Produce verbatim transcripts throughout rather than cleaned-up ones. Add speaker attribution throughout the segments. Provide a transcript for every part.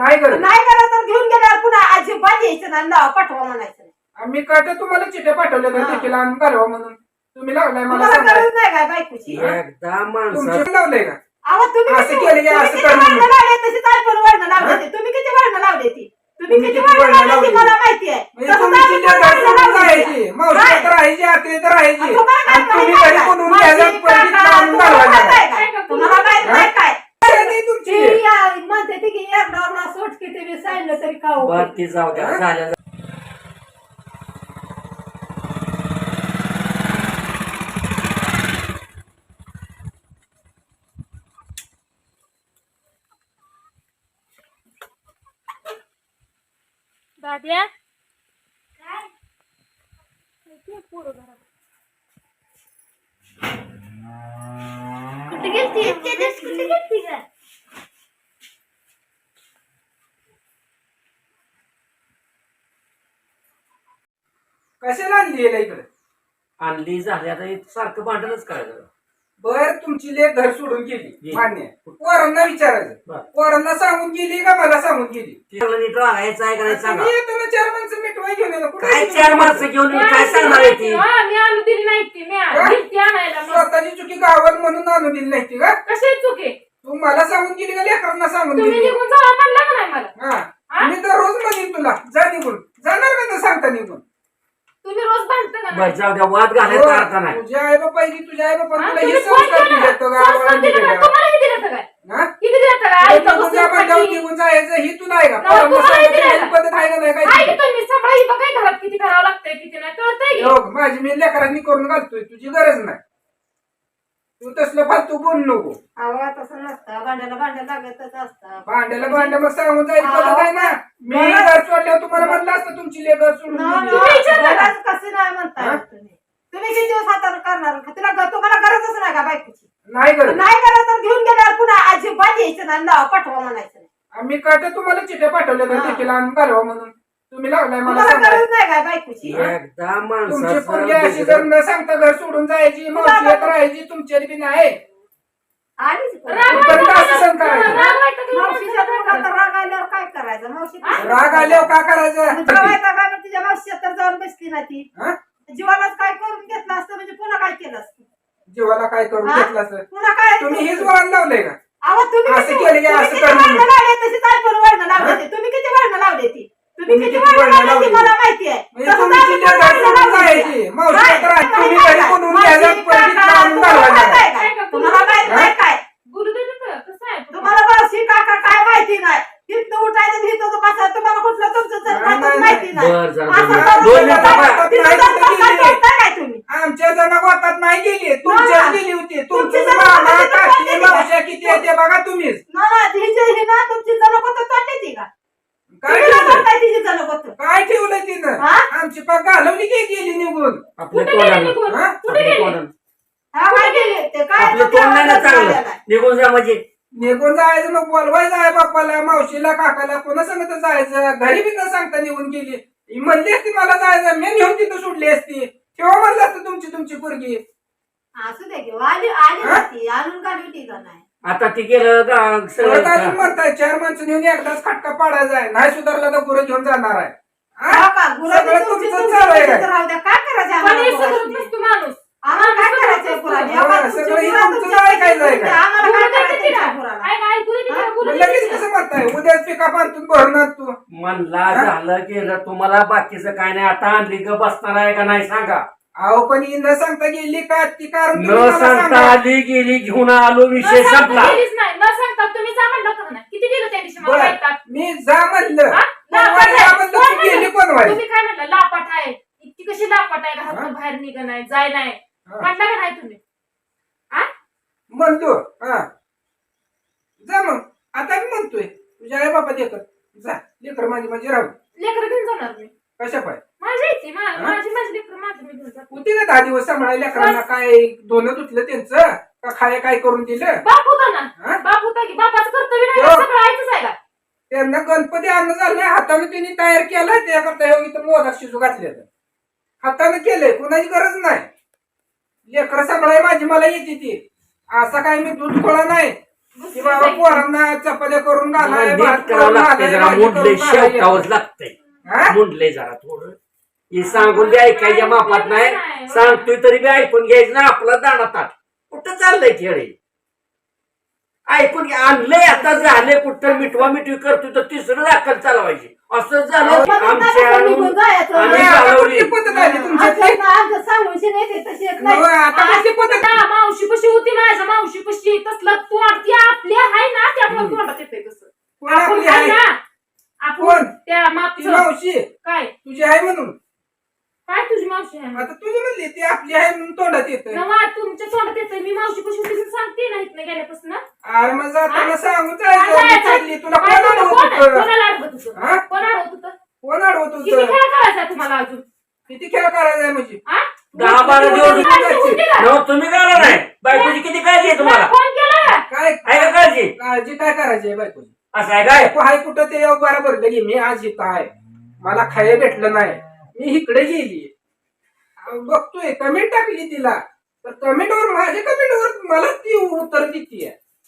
Speaker 1: नाही करत
Speaker 2: नाही करत तर घेऊन गेल्यावर पुन्हा अजिबात यायचं नाही नाव पाठवा म्हणायचं नाही.
Speaker 1: आम्ही काय तर तुम्हाला चिठ्ठ्या पाठवल्या तर देखील आम्ही घालवा म्हणून तुम्ही लावलाय मला
Speaker 2: तुम्हाला
Speaker 1: सांगायला.
Speaker 2: गरज नाही काय बायकोची?
Speaker 3: एकदा माणसाचं
Speaker 1: तुमच्या लावलंय का
Speaker 2: अहो तुम्ही
Speaker 1: असं
Speaker 2: किती-
Speaker 1: केलं की
Speaker 2: तुम्ही
Speaker 1: असं
Speaker 2: किती
Speaker 1: कर म्हणून.
Speaker 2: वळणं लावले तशीच आपण वळणं लावले ते. तुम्ही किती वळणं लावले ती तुम्ही
Speaker 1: तुम्ही
Speaker 2: किती
Speaker 1: किती
Speaker 2: वळणं
Speaker 1: वळणं
Speaker 2: लावले ती
Speaker 1: लावली?
Speaker 2: मला माहिती आहे.
Speaker 1: म्हणजे
Speaker 2: तसंच
Speaker 1: तुम्ही
Speaker 2: आम्ही
Speaker 1: चिठ्ठ्या
Speaker 2: पण
Speaker 1: घर
Speaker 2: वळणं
Speaker 1: सोडून
Speaker 2: लावली
Speaker 1: जायची
Speaker 2: आहे.
Speaker 1: मावशी
Speaker 2: काय?
Speaker 1: तर राहायची आते तर राहायची
Speaker 2: तुम्हाला काय
Speaker 1: आणि तुम्ही
Speaker 2: माहिती
Speaker 1: घरी
Speaker 2: आहे
Speaker 1: बनवून
Speaker 2: काय?
Speaker 1: घ्यायला
Speaker 2: मावशी,
Speaker 1: परत
Speaker 2: काका,
Speaker 1: आणून
Speaker 2: तुम्हाला
Speaker 1: घालवायला.
Speaker 2: माहिती आहे काय? तुम्हाला माहित
Speaker 1: हा?
Speaker 2: नाही काय?
Speaker 1: काय नाही तुमची
Speaker 2: ती या- म्हणते ती की एकदा सोट किती बी सांगितलं तरी का उपयोग?
Speaker 3: बर ती जाऊ द्या झाल्या
Speaker 4: दाद्या कुठे गेलती इतके दिवस कुठे गेलती का?
Speaker 1: कशाला आणली याला इकडे
Speaker 3: आणली झाली आता हे सारखं भांडणच करायचं.
Speaker 1: बर तुमची लेख घर सोडून गेली
Speaker 3: गेली.
Speaker 1: मान्य आहे. पोरांना विचारायचं
Speaker 3: बर.
Speaker 1: पोरांना सांगून गेली का मला सांगून गेली
Speaker 3: तिला नीट राहायचं आहे का नाही सांगा.
Speaker 1: तुम्ही येताना चार माणसं मिटवाय घेऊन येता. कुठे
Speaker 3: काय
Speaker 1: गेली?
Speaker 3: चार माणसं घेऊन येऊन काय सांगणार आहे ती?
Speaker 4: हा, मी आणून दिली नाही ती मी
Speaker 1: हा?
Speaker 4: दिली ती आणायला मग.
Speaker 1: स्वतःची चुकी गावात म्हणून आणून दिली नाही ती का
Speaker 4: कशी चुके
Speaker 1: तू मला सांगून गेली का लेकरांना सांगून
Speaker 4: तुम्ही
Speaker 1: गेली
Speaker 4: निघून जावा म्हणलं का नाही मला?
Speaker 1: हा
Speaker 4: हा?
Speaker 1: मी तर रोज म्हणेन तुला जा निघून जाणार का तर सांगता निघून
Speaker 4: तुम्ही रोज भांडता का
Speaker 3: बर
Speaker 4: नाही?
Speaker 3: जाऊ द्या वाद घालायचा अर्थ
Speaker 1: हो,
Speaker 3: नाही.
Speaker 1: तुझ्या आई बापाची तुझ्या आई बापा
Speaker 4: हा,
Speaker 1: तुला
Speaker 4: तुम्ही
Speaker 1: हे
Speaker 4: फोन
Speaker 1: संस्कार
Speaker 4: केला
Speaker 1: दिले
Speaker 4: ना?
Speaker 1: तो
Speaker 4: संस्कार
Speaker 1: गावाला
Speaker 4: दिले
Speaker 1: दिले
Speaker 4: ना?
Speaker 1: का?
Speaker 4: तुम्हाला किती दिलं काय?
Speaker 1: हा?
Speaker 4: किती दिलं काय?
Speaker 1: तुला
Speaker 4: आईचं
Speaker 1: निघून
Speaker 4: बसून
Speaker 1: जा म्हणल्यावर
Speaker 4: खाती.
Speaker 1: निघून जायचं ही तुला आहे का
Speaker 4: नाही,
Speaker 1: पोरांना
Speaker 4: तुम्हाला
Speaker 1: सांगायची
Speaker 4: दिलं
Speaker 1: ही
Speaker 4: ना?
Speaker 1: पद्धत आहे का नाही
Speaker 4: आहे
Speaker 1: काय
Speaker 4: की तुम्ही सगळं ही बघाय घरात किती करावं लागतंय किती नाही कळतंय की?
Speaker 1: हो, माझी मी लेकरांनी करून घालतोय तुझी गरज नाही तू तसलं फालतू बोलू नको
Speaker 2: अहो तसं नसतं भांड्याला भांड्या लागतच असतं.
Speaker 1: भांड्याला भांड्या मग सांगून जायची पद्धत आहे ना मी घर सोडल्यावर तुम्हाला म्हणलं असतं तुमची लेकर
Speaker 2: ना,
Speaker 1: सोडून
Speaker 2: ना,
Speaker 1: गेली.
Speaker 4: तुम्ही विचारलं का?
Speaker 2: गरज कशी नाही म्हणताय
Speaker 1: हा?
Speaker 2: तुम्ही तुम्ही किती दिवस हाताने करणार तुला ग- तुम्हाला गरजच नाही का बायकोची?
Speaker 1: नाही गरज
Speaker 2: नाही गरज तर घेऊन गेल्यावर पुन्हा अजिबात यायचं नाही नाव पाठवा म्हणायचं नाही.
Speaker 1: आम्ही काय तर तुम्हाला चिठ्ठ्या पाठवल्या तर
Speaker 2: हा.
Speaker 1: देखील आम्ही घालवा म्हणून तुम्ही लावलाय मला
Speaker 2: तुम्हाला
Speaker 1: सांगायला.
Speaker 2: गरज नाही काय बायकोची?
Speaker 3: एकदा
Speaker 1: तुमची पोरगी अशी
Speaker 3: माणसाचं
Speaker 1: जर न सांगता घर सोडून जायची मावशी येत राहायची तुमच्यात बी नाही
Speaker 2: आलीच कोण?
Speaker 4: राग
Speaker 1: कुठपर्यंत
Speaker 4: वाटतं
Speaker 1: असं सहन करायचं?
Speaker 4: राग वाटतं की
Speaker 2: मावशीच्या
Speaker 4: माणसाचं
Speaker 2: पोटात
Speaker 4: काय
Speaker 2: राग आल्यावर काय करायचं? मावशी
Speaker 1: राग आल्यावर का करायचं
Speaker 2: जेवायचा का नाही तुझ्या मावशीच्या तर जाऊन बसली ना ती
Speaker 1: हा?
Speaker 2: जीवालाच काय करून घेतलं असतं म्हणजे पुन्हा काय केलं असतं?
Speaker 1: जीवाला काय करून
Speaker 2: हा?
Speaker 1: घेतलं असं
Speaker 2: पुन्हा काय
Speaker 1: तुम्ही हेच वळण लावलंय का
Speaker 2: अहो तुम्ही
Speaker 1: असं
Speaker 2: किती-
Speaker 1: केलं की
Speaker 2: तुम्ही
Speaker 1: असं
Speaker 2: किती
Speaker 1: कर म्हणून.
Speaker 2: वळणं लावले तशीच आपण वळणं लावले ते. तुम्ही किती वळणं लावले ती तुम्ही
Speaker 1: तुम्ही
Speaker 2: किती
Speaker 1: किती
Speaker 2: वळणं
Speaker 1: वळणं
Speaker 2: लावले ती
Speaker 1: लावली?
Speaker 2: मला माहिती आहे.
Speaker 1: म्हणजे
Speaker 2: तसंच
Speaker 1: तुमची
Speaker 2: आम्ही
Speaker 1: लेक
Speaker 2: पण
Speaker 1: घर
Speaker 2: वळणं
Speaker 1: सोडून
Speaker 2: लावली
Speaker 1: जायची
Speaker 2: आहे.
Speaker 1: मावशी
Speaker 2: काय?
Speaker 1: येत राहायची. तुम्ही
Speaker 2: माहिती
Speaker 1: घरी
Speaker 2: आहे
Speaker 1: बनवून
Speaker 2: का?
Speaker 1: घ्यायला
Speaker 2: मावशी,
Speaker 1: परत
Speaker 2: काका,
Speaker 1: आणून
Speaker 2: तुम्हाला
Speaker 1: घालवायला.
Speaker 2: माहित आहे का? तुम्हाला माहित नाही काय
Speaker 4: बोलू दे ना, कसं आहे
Speaker 2: तुम्हाला मावशी काका काय माहिती नाही तिथनं उठायचं तिथं बसा तुम्हाला कुठलं तुमचं
Speaker 1: नाही,
Speaker 2: जन्मातच
Speaker 1: नाही,
Speaker 2: माहिती नाही
Speaker 3: बर जरा
Speaker 2: असं
Speaker 3: दोन
Speaker 2: करून
Speaker 3: दोन
Speaker 2: तिथं
Speaker 3: मिनिटं
Speaker 2: जाऊन-
Speaker 3: थांबा.
Speaker 2: तिथं
Speaker 1: नाही,
Speaker 2: जाऊन
Speaker 1: तिथं
Speaker 2: बसता
Speaker 1: गेली.
Speaker 2: करताय काय तुम्ही?
Speaker 1: आमच्या जनावरात नाही गेली तुमच्याच गेली होती
Speaker 2: तुमची
Speaker 1: तुमची
Speaker 2: जनावरं
Speaker 1: मामा
Speaker 2: तिथं
Speaker 1: काकी
Speaker 2: गेली.
Speaker 1: मावश्या किती आहे ते बघा तुम्हीच
Speaker 2: ना ना तिची ही ना तुमची जणकोत तोडली ती का
Speaker 1: काय
Speaker 2: तुम्ही ना
Speaker 1: ठेवलंय
Speaker 2: करताय तिची जणकोत
Speaker 1: काय ठेवलंय तिनं
Speaker 2: हा?
Speaker 1: आमची पाक घालवली की गेली निघून
Speaker 3: आपल्या
Speaker 4: कुठे गेले
Speaker 3: तोंडानं
Speaker 4: निघून?
Speaker 1: हा?
Speaker 4: कुठे
Speaker 3: आपल्या
Speaker 4: गेले?
Speaker 3: तोंडानं.
Speaker 2: हा काय केली ते काय
Speaker 3: आपलं
Speaker 2: तुमच्या
Speaker 3: तोंड नाही ना
Speaker 2: हातात
Speaker 3: चांगलं
Speaker 2: झालेलं आहे.
Speaker 3: निघून जा म्हणजे
Speaker 1: निघून जायचं मग बोलवायचं आहे बाप्पाला मावशीला काकाला कोणा सांगत जायचं घरी बी न सांगता निघून गेली ही म्हणली असती मला जायचं मी नेऊन तिथं सोडली असती ठेवा म्हणलं असतं तुमची तुमची पोरगी
Speaker 2: असू दे की आली आली
Speaker 1: हा?
Speaker 2: होती आणून काढली होती का नाही
Speaker 3: आता ती गेलं गा-
Speaker 1: परत
Speaker 3: सगळं
Speaker 1: अजून म्हणताय चार माणसं नेऊन एकदाच खटका पाडायचा आहे नाही सुधारला तर गुरं घेऊन जाणार आहे हा?
Speaker 2: हा का गुरांची
Speaker 1: सगळं
Speaker 2: तुमची
Speaker 1: तुमचं
Speaker 2: तुमची
Speaker 1: चालू आहे
Speaker 2: तुमचं
Speaker 1: काय?
Speaker 2: राहू द्या काय करायचं
Speaker 4: पण
Speaker 2: आम्हाला
Speaker 4: हे सगळं
Speaker 2: गुरांची?
Speaker 4: नसतो माणूस
Speaker 2: आम्हाला काय करायचंय गुरांनी?
Speaker 1: हा,
Speaker 2: आम्हाला तुमची
Speaker 1: सगळं हे
Speaker 2: गुरं
Speaker 1: तुमचं
Speaker 2: तुमच्या
Speaker 1: ऐकायचं आहे
Speaker 2: तुमच्या-
Speaker 1: का?
Speaker 2: आम्हाला
Speaker 4: बोलू
Speaker 2: काय
Speaker 4: दे
Speaker 2: करायचंय
Speaker 4: तिला.
Speaker 2: तुमच्या गुराला?
Speaker 4: काय काय ऐकू दे तिला,
Speaker 2: हा?
Speaker 4: बोलू
Speaker 1: मग
Speaker 4: दे
Speaker 1: लगेच
Speaker 4: तिला.
Speaker 1: कसं म्हणताय उद्याच पिका बांधून भरून आण तू
Speaker 3: म्हणला झालं केलं तुम्हाला बाकीचं काय नाही आता आणली ग बसणार आहे का नाही सांगा
Speaker 1: अहो पण ही न सांगता गेली का ती कारण तुम्ही
Speaker 3: न
Speaker 1: मला
Speaker 3: सांगता
Speaker 1: सांगा.
Speaker 3: आली गेली घेऊन आलो
Speaker 4: न
Speaker 3: विषय
Speaker 4: सांगता
Speaker 3: संपला
Speaker 4: गेलीच नाही न सांगता तुम्ही जा म्हणलं होतं का नाही? किती दिलं त्या दिवशी मला
Speaker 1: बरं,
Speaker 4: वैताग?
Speaker 1: मी जा म्हणलं
Speaker 4: हा?
Speaker 1: पण
Speaker 4: लापाट
Speaker 1: वाई
Speaker 4: आहे.
Speaker 1: म्हणलं
Speaker 4: कोण
Speaker 1: तू गेली
Speaker 4: म्हणलं?
Speaker 1: कोण वाई
Speaker 4: तुम्ही काय म्हणलं लापाट आहे इतकी कशी लापाट आहे
Speaker 1: हा?
Speaker 4: घरातून बाहेर निघ नाही जाय नाही
Speaker 1: हा.
Speaker 4: म्हटलं का नाही तुम्ही आ?
Speaker 1: म्हणतो हा जा मग आता मी म्हणतोय तुझ्या आई बापा देखत जा लेकर माझी माझी राहू
Speaker 4: लेकरं घेऊन जाणार मी
Speaker 1: कशा पाय
Speaker 4: माझी येते मा-
Speaker 1: हा?
Speaker 4: माझी माझी लेकरं माझी मी घेऊन जाते.
Speaker 1: होती ना दहा दिवस सांभाळायला लेकरांना काय दोन तुटलं त्यांचं का खाय काय करून दिलं
Speaker 4: बाप होता ना
Speaker 1: हा?
Speaker 4: बाप होता की बापाचं कर्तव्य नाही
Speaker 1: हो.
Speaker 4: का? सगळं आईचंच आहे का
Speaker 1: त्यांना गणपती आणणं झालं हाताने त्यांनी तयार केलाय त्याकरता हे इथं मोदक शिजू घातले हाताने केलंय कोणाची गरज नाही लेकरं सांभाळाय माझी मला येते ती असा काय मी दूध खोळा नाही की बाबा पोरांना चपात्या करून घालाय भात
Speaker 3: नीट करावं
Speaker 1: करून
Speaker 3: लागते
Speaker 1: घालाय,
Speaker 3: जरा
Speaker 1: भाजी
Speaker 3: मुंडले
Speaker 1: करून घालाय.
Speaker 3: शेवटावंच लागतंय
Speaker 1: हा?
Speaker 3: मुंडले जरा थोडं हे सांगून बी ऐकायच्या मापात नाही सांगतोय तरी बी ऐकून घ्यायचं ना आपला दाणा ताट कुठं चाललंय खेळ हे? ऐकून घ्या आणलंय आता झाले कुठं मिठवा मिठवी करतोय तर तिसरं दाखल चालवायची असं झालं आमच्या
Speaker 2: निघून जायचं.
Speaker 3: आम्ही
Speaker 1: आता
Speaker 3: चालवली
Speaker 1: कुठली पद्धत आली तुमच्यातली?
Speaker 2: असं ना, आमचं सांगून येते तशी येत नाही.
Speaker 1: होय, आता कुठली पद्धत
Speaker 5: आता मावशी कशी होती माझ्या मावशी कशी तसलं तोंड ती आपल्या हाय ना त्यामुळे तोंडात येते तसं
Speaker 1: कोण
Speaker 5: आपण
Speaker 1: आपली
Speaker 5: हाय
Speaker 1: आहे?
Speaker 5: ना
Speaker 1: कोण?
Speaker 5: आपण त्या
Speaker 1: ती
Speaker 5: मागचं
Speaker 1: मावशी
Speaker 5: काय
Speaker 1: तुझी आहे म्हणून
Speaker 5: काय तुझी मावशी आहे
Speaker 1: आता तुझी म्हणली ती आपली आहे म्हणून तोंडात येत
Speaker 5: नवा तुमच्या तोंडात येते मी मावशी कशी होती म्हणून सांगते ना इथनं गेल्यापासून
Speaker 1: अरे मग जाताना
Speaker 5: हा?
Speaker 1: सांगू
Speaker 5: काय
Speaker 1: चालली
Speaker 5: जायचं?
Speaker 1: चालली तुला
Speaker 5: काय
Speaker 1: कोण
Speaker 5: तुला
Speaker 1: अडवत
Speaker 5: कोण आहे?
Speaker 1: होतं?
Speaker 5: कोणाला अडवत होतं
Speaker 1: हा?
Speaker 5: कोण अडवत होतं
Speaker 1: कोण अडवत
Speaker 5: किती
Speaker 1: होतं?
Speaker 5: खेळ करायचा तुम्हाला अजून
Speaker 1: किती खेळ करायचा आहे म्हणजे
Speaker 5: हा?
Speaker 3: दहा बारा दिवस
Speaker 5: तुम्ही काळजी होती का?
Speaker 3: नव तुम्ही करा नाही बायकोची किती काळजी आहे तुम्हाला
Speaker 5: फोन केला का?
Speaker 1: काय
Speaker 3: आहे का काळजी
Speaker 1: काळजी काय करायची आहे बायकोची?
Speaker 3: असं आहे काय
Speaker 1: बायको हाय कुठं ते बरोबर लगे मी आज इथं आहे मला खायला भेटलं नाही मी इकडे गेली अहो, बघतोय कमेंट टाकली तिला तर कमेंटवर माझ्या कमेंटवर मला ती उत्तर देते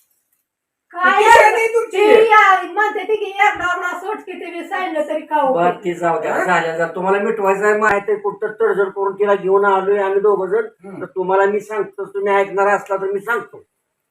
Speaker 2: काय
Speaker 1: किती आहे नाही तुमची?
Speaker 2: ती या- म्हणते ती की एकदा मला सोट की ते मी सांगितलं तरी खाऊ
Speaker 3: बर ती जाऊ द्या झाल्या जर तुम्हाला मिटवायचं आहे माहिती आहे कुठं तडजड करून तिला घेऊन आलोय आम्ही दोघं जण
Speaker 1: हम्म.
Speaker 3: तर तुम्हाला मी सांगतो तुम्ही ऐकणार असला तर मी सांगतो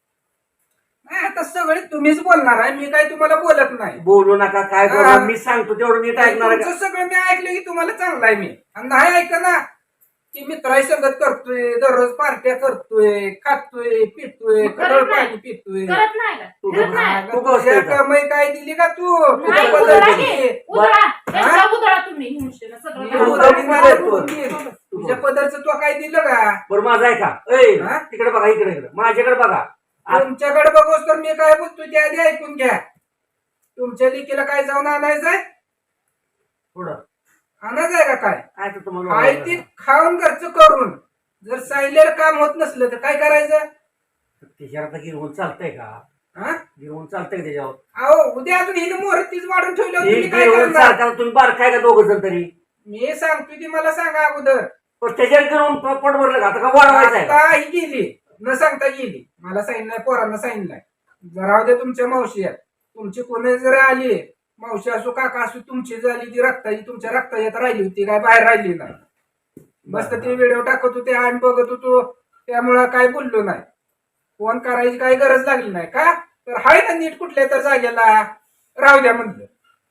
Speaker 1: नाही आता सगळे तुम्हीच बोलणार आहे मी काय तुम्हाला बोलत नाही
Speaker 3: बोलू नका काय
Speaker 1: हा.
Speaker 3: करू मी सांगतो तेवढं नीट ऐकणार आहे का?
Speaker 1: तुमचं सगळं मी ऐकलं की तुम्हाला चांगलं आहे मी आणि नाही ऐक ना की मित्राही संगत करतोय दररोज पार्ट्या करतोय खातोय पितोय
Speaker 5: करत
Speaker 1: कडळ
Speaker 5: नाही.
Speaker 1: पाणी पितोय
Speaker 5: करत नाही का
Speaker 3: तू
Speaker 5: करत
Speaker 3: बघ.
Speaker 5: नाही
Speaker 1: अगं,
Speaker 3: तू कसं
Speaker 1: तुझ्या
Speaker 3: आहे का?
Speaker 1: कमाई काय दिली का तू
Speaker 5: नाही,
Speaker 1: तुझ्या
Speaker 5: उधळा
Speaker 1: पद्धतीने.
Speaker 5: की. उधळा. त्याचा उधळा तुम्ही हिंसेनं
Speaker 1: मी
Speaker 5: सगळं
Speaker 1: उधळी
Speaker 5: करा.
Speaker 1: नाही तू. तुझ्या पदरचं तू काय दिलं का
Speaker 3: बरं माझं आहे का ऐ
Speaker 1: हा?
Speaker 3: तिकडे बघा इकडे इकडे माझ्याकडे बघा आ-
Speaker 1: तुमच्याकडे बघोस तर मी काय बोलतो त्या आधी ऐकून घ्या तुमच्या लेकीला काय जाऊन आणायचंय
Speaker 3: पुढं
Speaker 1: आणायचंय का काय
Speaker 3: काय तर तुम्हाला
Speaker 1: काय ती खाऊन घरचं करून जर सांगितलेलं काम होत नसलं तर काय करायचं
Speaker 3: त्याच्यावर आता गिरवून चालतंय का
Speaker 1: हा
Speaker 3: गिरवून चालतंय का त्याच्यावर
Speaker 1: अहो उद्या अजून हिने मोहर तीच वाढून ठेवल्यावर
Speaker 3: हे
Speaker 1: तुम्ही काय
Speaker 3: गिरवून
Speaker 1: करणार
Speaker 3: चालताना तुम्ही बार काय का दोघं जण तरी
Speaker 1: मी सांगतोय ती मला सांगा अगोदर
Speaker 3: पण त्याच्यावर गिरवून प- पोट भरलं का आता का वाढवायचं आहे का?
Speaker 1: आता ही गेली न सांगता गेली मला सांगितलंय पोरांना सांगितलंय जरा उद्या तुमच्या मावशी आहेत तुमची कोणी जर आली मावशी असो काका असो तुमची झाली ती रक्ताची तुमच्या रक्ताची राहिली होती काय बाहेर राहिली नाही मस्त ते व्हिडिओ टाकत होते आम्ही बघत होतो त्यामुळं काय बोललो नाही फोन करायची काही गरज लागली नाही का तर हाय ना नीट कुठल्या तर जागेला राहू द्या म्हणलं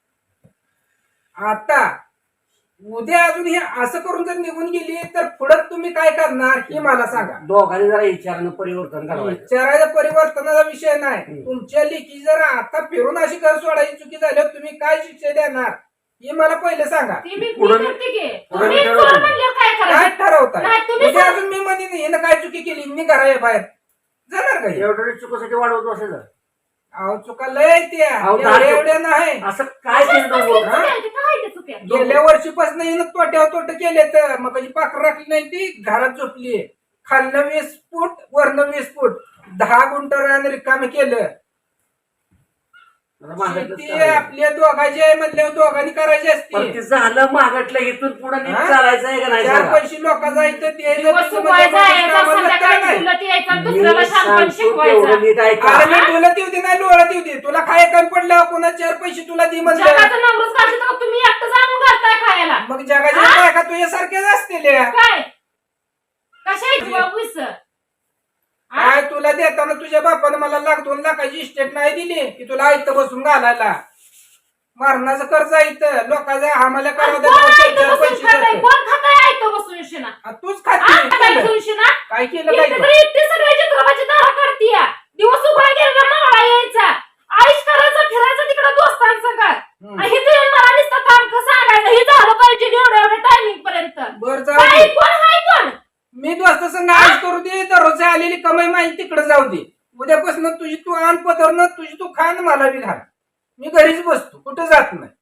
Speaker 1: आता उद्या अजून हे असं करून जर निघून गेली तर पुढे तुम्ही काय करणार हे मला सांगा
Speaker 3: दोघांनी जरा विचारणं परिवर्तन करायचं
Speaker 1: विचारायच्या परिवर्तनाचा विषय नाही
Speaker 3: हम्म.
Speaker 1: तुमच्या लेखी जर आता फिरून अशी घर सोडायची चुकी झाल्यावर तुम्ही काय शिक्षा देणार हे मला पहिले सांगा
Speaker 5: ती मी- मी
Speaker 3: पुढं-
Speaker 5: करते की.
Speaker 3: पुढं
Speaker 5: तुम्ही
Speaker 3: ठरवलं.
Speaker 5: करा म्हणल्यावर काय
Speaker 1: काय
Speaker 5: करायचं?
Speaker 1: ठरवताय
Speaker 5: नाही, तुम्ही
Speaker 1: उद्या
Speaker 5: सांगा.
Speaker 1: अजून मी म्हणेन हिनं काय चुकी केली मी घरा बाहेर जाणार का हे?
Speaker 3: एवढं चुकीसाठी वाढवत असेल
Speaker 1: अहो चुका लय त्या
Speaker 3: अहो,
Speaker 1: एवढ्या
Speaker 3: दहा-
Speaker 1: एवढ्या नाही
Speaker 3: असं काय केलं
Speaker 5: कसली
Speaker 3: दोघं?
Speaker 5: चुकी आहे? ते काय ते चुकी आहे?
Speaker 1: गेल्या वर्षीपासून हिनं तोट्यावर तोट केले तर मग कधी पाखर राखली नाही ती घरात झोपली खालनं वीस फूट वरनं वीस फूट दहा गुंठ रान रिकामी केलं
Speaker 3: आता मागायचं
Speaker 1: शेती
Speaker 3: चाललंय.
Speaker 1: आपल्या दोघांची आहे म्हणल्यावर दोघांनी करायची
Speaker 3: पण
Speaker 1: असते
Speaker 3: ते झालं मागटलं इथून पुढे नीट
Speaker 1: हा?
Speaker 3: चालायचं आहे का नाही
Speaker 1: चार
Speaker 3: सांगा?
Speaker 1: पैसे लोकांचा इथं ते
Speaker 5: दिवस सुकवायचा, यायचा, संध्याकाळी तुला यायचा,
Speaker 3: मी
Speaker 5: दुसऱ्याला शानपण
Speaker 3: सांगतो तेवढं
Speaker 5: शिकवायचा.
Speaker 3: नीट ऐका
Speaker 1: अरे मी तुला देऊ दे नाही लोळत येऊ दे तुला खाय कमी पडल्यावर कोणा चार पैसे तुला दे म्हणलं
Speaker 5: जगाचं नवरच काढलं तर तुम्ही एकटं जाणून घालताय खायला
Speaker 1: मग जगाच्या
Speaker 5: हा?
Speaker 1: बायका तुझ्यासारख्याच असतील
Speaker 5: काय कशा आहे बाबू सर
Speaker 1: काय तुला देताना तुझ्या बापानं मला लाख दोन लाखाची इस्टेट नाही दिली की तुला आयतं बसून घालायला मरणाचं कर्ज इथं लोकांचा आम्हाला करावं
Speaker 5: कोण
Speaker 1: देतात,
Speaker 5: आहे
Speaker 1: चार
Speaker 5: इथं बसून
Speaker 1: पैसे
Speaker 5: खाताय?
Speaker 1: देतात.
Speaker 5: कोण खाताय आहे इथं बसून उशिना?
Speaker 1: आ, तूच
Speaker 5: आ,
Speaker 1: खाते
Speaker 5: काय
Speaker 1: केलं.
Speaker 5: घेऊन शिना?
Speaker 1: काय केलं
Speaker 5: इथे
Speaker 1: काय
Speaker 5: तरी इतकी सगळ्याची द्रवाची दारं काढतीया. दिवस उघडा गेला मावळा यायचा. आईश करायचा, फिरायचा तिकडं दोस्तांसंग.
Speaker 1: हम्म.
Speaker 5: आणि इथं येऊन मला नुसतं काम कसं सांगायचं? हे झालं पाहिजे एवढ्या एवढ्या टायमिंग पर्यंत.
Speaker 1: बर जाऊ
Speaker 5: काय
Speaker 1: दे.
Speaker 5: कोण हाय कोण?
Speaker 1: मी दोस्त संग आज करू दे दररोज आलेली कमाई माझी तिकडे जाऊ दे उद्यापासून तुझी तू आण पदरनं तुझी तू खान मला बी घाल मी घरीच बसतो कुठं जात नाही